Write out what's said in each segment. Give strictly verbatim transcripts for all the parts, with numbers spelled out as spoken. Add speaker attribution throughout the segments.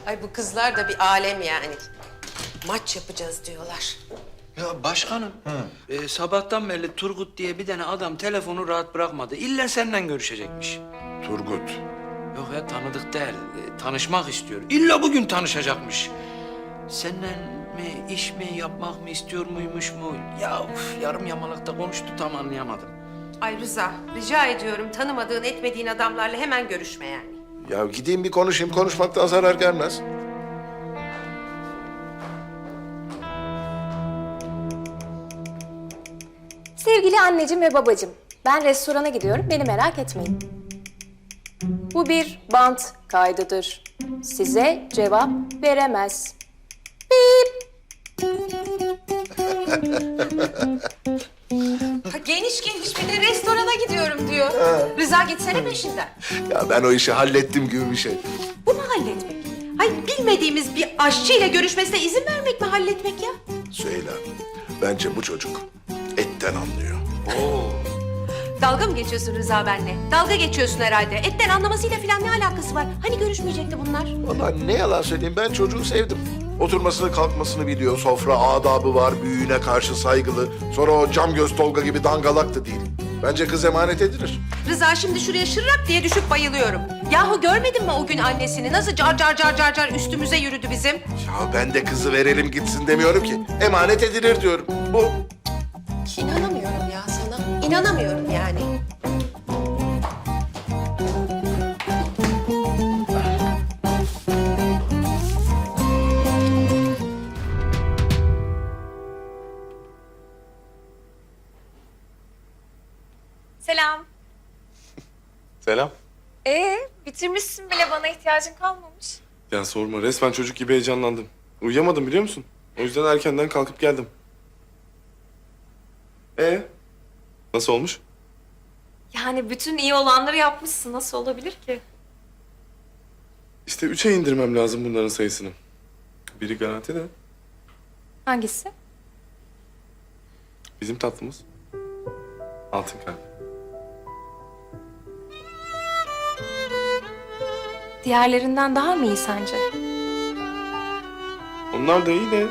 Speaker 1: Ay bu kızlar da bir alem yani. Maç yapacağız diyorlar.
Speaker 2: Ya başkanım, e, sabahtan beri Turgut diye bir tane adam telefonu rahat bırakmadı. İlla seninle görüşecekmiş.
Speaker 3: Turgut.
Speaker 2: Yok ya tanıdık değil, e, tanışmak istiyor. İlla bugün tanışacakmış. Seninle mi, iş mi, yapmak mı istiyor muymuş mu? Ya uf, yarım yamalakta konuştu, tam anlayamadım.
Speaker 1: Ay Rıza, rica ediyorum tanımadığın etmediğin adamlarla hemen görüşme yani.
Speaker 3: Ya gideyim bir konuşayım. Konuşmaktan zarar gelmez.
Speaker 4: Sevgili anneciğim ve babacığım, ben restorana gidiyorum, beni merak etmeyin. Bu bir bant kaydıdır. Size cevap veremez. Bip.
Speaker 1: Ha, geniş geniş bir de restorana gidiyorum diyor. Rıza gitsene peşinden.
Speaker 3: Ya ben o işi hallettim gibi bir şey.
Speaker 1: Bu mu halletmek? Ay bilmediğimiz bir aşçıyla görüşmesine izin vermek mi halletmek ya?
Speaker 3: Süheyla, bence bu çocuk etten anlıyor.
Speaker 1: Dalga mı geçiyorsun Rıza benimle? Dalga geçiyorsun herhalde. Etten anlamasıyla falan ne alakası var? Hani görüşmeyecekti bunlar?
Speaker 3: Vallahi ne yalan söyleyeyim, ben çocuğu sevdim. Oturmasını kalkmasını biliyor, sofra adabı var, büyüğüne karşı saygılı. Sonra o cam göz Tolga gibi dangalak da değil. Bence kız emanet edilir.
Speaker 1: Rıza şimdi şuraya şırrak diye düşüp bayılıyorum. Yahu görmedin mi o gün annesini? Nasıl car car car car car üstümüze yürüdü bizim?
Speaker 3: Ya ben de kızı verelim gitsin demiyorum ki. Emanet edilir diyorum. Bu.
Speaker 1: İnanamıyorum ya sana. İnanamıyorum yani.
Speaker 5: Selam.
Speaker 6: Selam.
Speaker 5: Ee, bitirmişsin bile, bana ihtiyacın kalmamış.
Speaker 6: Ya sorma, resmen çocuk gibi heyecanlandım. Uyuyamadım biliyor musun? O yüzden erkenden kalkıp geldim. Ee, nasıl olmuş?
Speaker 5: Yani bütün iyi olanları yapmışsın. Nasıl olabilir ki?
Speaker 6: İşte üçe indirmem lazım bunların sayısını. Biri garanti de
Speaker 5: Hangisi?
Speaker 6: bizim tatlımız. Altın kalp.
Speaker 5: Diğerlerinden daha mı iyi sence?
Speaker 6: Onlar da iyi de...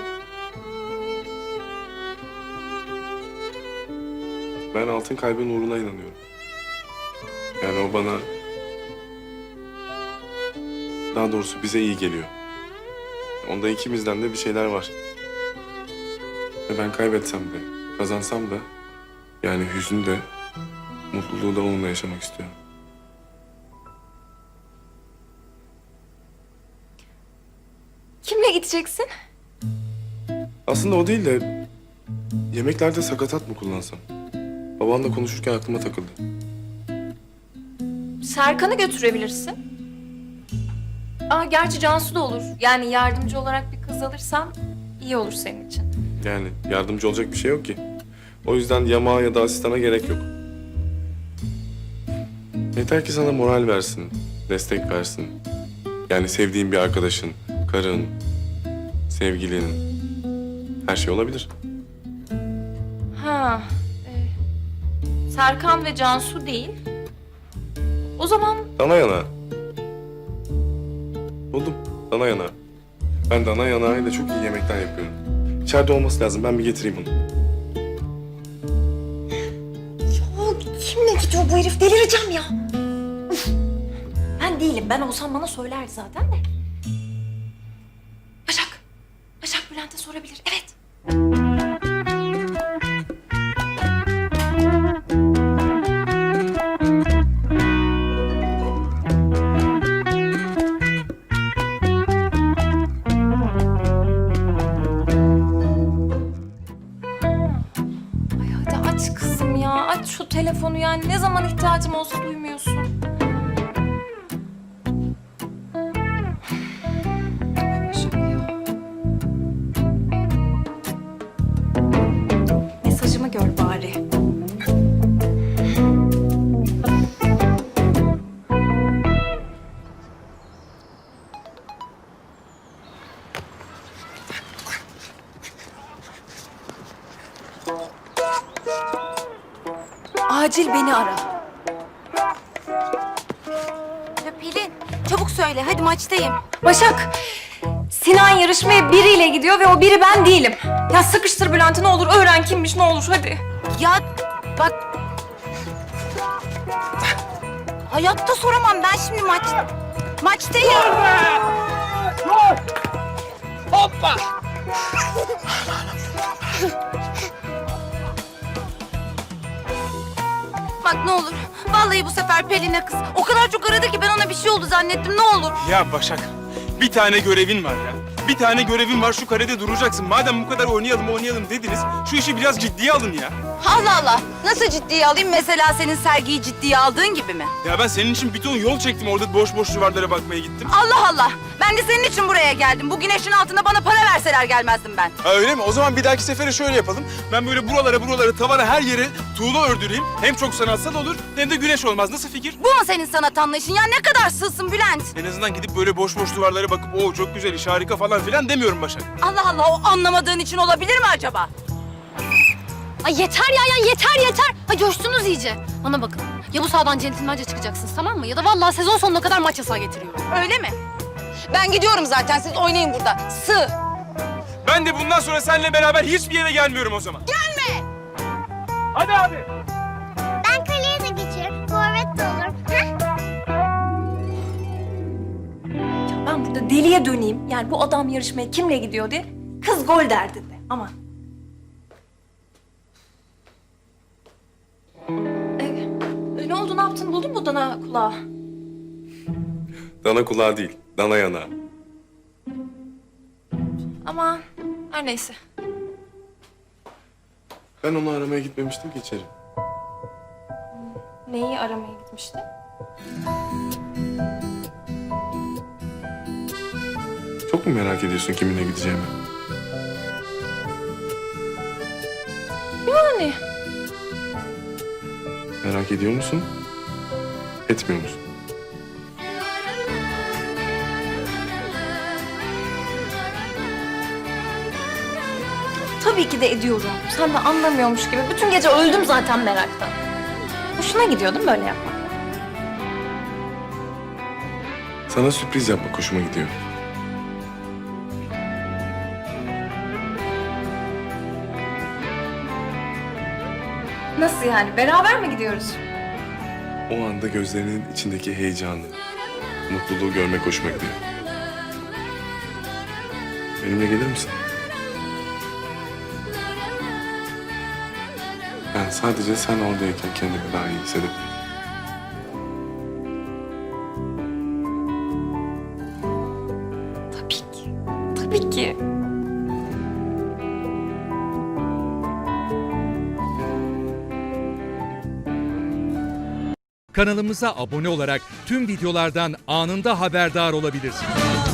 Speaker 6: Ben altın kalbin uğruna inanıyorum. Yani o bana... Daha doğrusu bize iyi geliyor. Onda ikimizden de bir şeyler var. Ve ben kaybetsem de, kazansam da... Yani hüznü de, mutluluğu da onunla yaşamak istiyorum.
Speaker 5: Kimle gideceksin?
Speaker 6: Aslında o değil de... Yemeklerde sakatat mı kullansam? Babanla konuşurken aklıma takıldı.
Speaker 5: Serkan'ı götürebilirsin. Aa, gerçi Cansu da olur. Yani yardımcı olarak bir kız alırsan iyi olur senin için.
Speaker 6: Yani yardımcı olacak bir şey yok ki. O yüzden yamağa ya da asistana gerek yok. Yeter ki sana moral versin, destek versin. Yani sevdiğin bir arkadaşın, karın, sevgilinin, her şey olabilir.
Speaker 5: Ha, e, Serkan ve Cansu değil. O zaman
Speaker 6: Dana yanağı. Buldum, dana yanağı. Ben dana yanağıyla çok iyi yemekler yapıyorum. İçeride olması lazım, ben bir getireyim onu.
Speaker 5: kimle gidiyor bu herif? Delireceğim ya. Üf. Ben değilim. Ben olsam bana söylerdi zaten de. Başak. Başak Bülent'e sorabilir. Evet. Ay hadi aç kızım ya. Aç şu telefonu yani. Ne zaman ihtiyacım olsa duymuyorsun. Başak ya. Mesajımı gör bari. Acil beni ara. Ya
Speaker 7: Pelin, çabuk söyle. Hadi maçtayım.
Speaker 5: Başak, Sinan yarışmaya biriyle gidiyor ve o biri ben değilim. Ya sıkıştır Bülent'i ne olur, öğren kimmiş ne olur hadi.
Speaker 7: Ya bak... Hayatta soramam. Ben şimdi maç... Maçtayım.
Speaker 2: Hoppa!
Speaker 7: Bak ne olur. Vallahi bu sefer Pelin'e kız. O kadar çok aradı ki ben ona bir şey oldu zannettim. Ne olur.
Speaker 8: Ya Başak, bir tane görevin var ya. Bir tane görevin var, şu karede duracaksın. Madem bu kadar oynayalım oynayalım dediniz, şu işi biraz ciddiye alın ya.
Speaker 7: Allah Allah. Nasıl ciddiye alayım? Mesela senin sergiyi ciddiye aldığın gibi mi?
Speaker 8: Ya ben senin için bir ton yol çektim, orada boş boş duvarlara bakmaya gittim.
Speaker 7: Allah Allah. Ben de senin için buraya geldim. Bu güneşin altında bana para verseler gelmezdim ben.
Speaker 8: Ha öyle mi? O zaman bir dahaki sefere şöyle yapalım. Ben böyle buralara buralara, tavana her yere tuğla ördüreyim. Hem çok sanatsal olur, hem de güneş olmaz. Nasıl fikir?
Speaker 7: Bu mu senin sanat anlayışın? Ya ne kadar sığsın Bülent?
Speaker 8: En azından gidip böyle boş boş duvarlara bakıp o çok güzel iş, harika falan filan demiyorum Başak.
Speaker 7: Allah Allah, o anlamadığın için olabilir mi acaba?
Speaker 9: Ay yeter ya, ya yeter yeter. Ha coştunuz iyice. Bana bakın. Ya bu sahadan centilmence çıkacaksınız tamam mı? Ya da vallahi sezon sonuna kadar maç yasağı getiriyorum.
Speaker 7: Öyle mi? Ben gidiyorum zaten. Siz oynayın burada. Sığ.
Speaker 8: Ben de bundan sonra seninle beraber hiçbir yere gelmiyorum o zaman.
Speaker 7: Gelme.
Speaker 8: Hadi abi.
Speaker 10: Ben kaleye de geçerim. Forvet de olurum.
Speaker 5: Ya ben burada deliye döneyim. Yani bu adam yarışmaya kimle gidiyor diye. Kız gol derdinde ama. Ee, ne oldu ne yaptın buldun mu dana kulağı?
Speaker 6: Dana kulağı değil, dana yanağı.
Speaker 5: Ama her neyse.
Speaker 6: Ben onu aramaya gitmemiştim ki içeri.
Speaker 5: Neyi aramaya gitmişti?
Speaker 6: Çok mu merak ediyorsun kiminle gideceğimi?
Speaker 5: Yani.
Speaker 6: Merak ediyor musun? Etmiyor musun?
Speaker 5: Tabii ki de ediyorum. Sen de anlamıyormuş gibi. Bütün gece öldüm zaten meraktan. Hoşuna gidiyor değil mi böyle yapmak?
Speaker 6: Sana sürpriz yapmak hoşuma gidiyor.
Speaker 5: Nasıl yani? Beraber mi gidiyoruz?
Speaker 6: O anda gözlerinin içindeki heyecanı, mutluluğu görmek hoşuma gidiyor. Benimle gelir misin? Ben sadece sen oradayken kendimi daha iyi hissedebilirim.
Speaker 5: Tabii ki. Tabii ki.
Speaker 11: Kanalımıza abone olarak tüm videolardan anında haberdar olabilirsiniz.